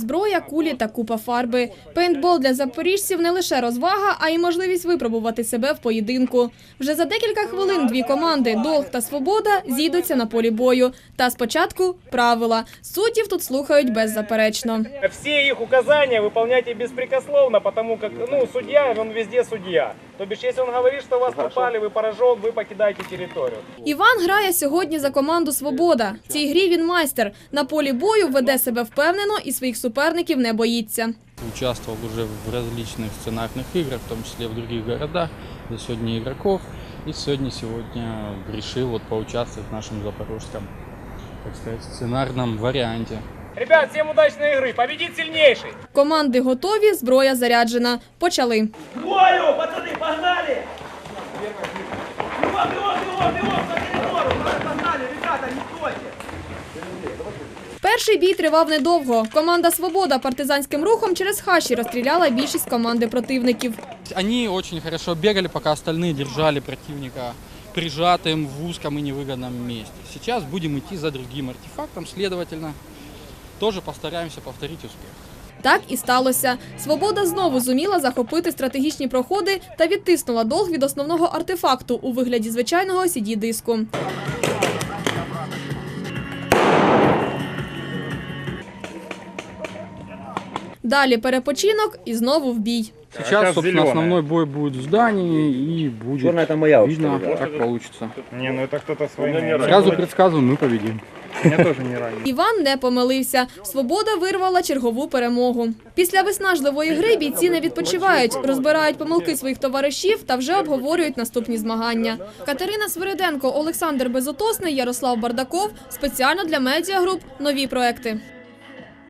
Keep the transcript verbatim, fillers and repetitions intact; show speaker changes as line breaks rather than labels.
зброя, кулі та купа фарби. Пейнтбол для запоріжців не лише розвага, а й можливість випробувати себе в поєдинку. Вже за декілька хвилин дві команди «Долг» та «Свобода» зійдуться на полі бою. Та спочатку правила. Суддів тут слухають беззаперечно.
Всі їх указання виконуйте безпрекословно, тому що ну, суддя, він везде суддя. Тобто, якщо він говорить, що вас попали, ви поражок, ви покидаєте територію.
Іван грає сьогодні за команду «Свобода». В цій грі він майстер. На полі бою веде себе впевнено і своїх суперників не боїться.
Участвовал уже в различных сценарных играх, в том числе в других городах, за сотни игроков. И сегодня, сегодня решил вот поучаствовать в нашем запорожском, так сказать, сценарном варианте.
Ребят, всім удачної гри, победить сильніший!
Команди готові, зброя заряджена. Почали.
Бою, пацаны, погнали! Бегом, бегом, бегом, бегом, по коридору! Погнали, ребята, не стойте!
Перший бій тривав недовго. Команда «Свобода» партизанським рухом через хащі розстріляла більшість команди противників.
Они очень хорошо бегали, пока остальные держали противника прижатым в узком и невыгодном месте. Сейчас будем идти за другим артефактом, следовательно, тоже постараемся повторить успех.
Так і сталося. «Свобода» знову зуміла захопити стратегічні проходи та відтиснула «Долг» від основного артефакту у вигляді звичайного сі ді-диску. Далі перепочинок і знову в бій.
Сейчас, собственно, основной бой будет в здании и будет
Черная это моя
видно,
уж,
как получится.
Не, ну это кто-то свой.
Сразу предсказываю, мы победим.
Меня тоже не ранен.
Іван не помилився. «Свобода» вирвала чергову перемогу. Після виснажливої гри бійці не відпочивають, розбирають помилки своїх товаришів та вже обговорюють наступні змагання. Катерина Свириденко, Олександр Безотосний, Ярослав Бардаков. Спеціально для медіагруп «Нові проекти».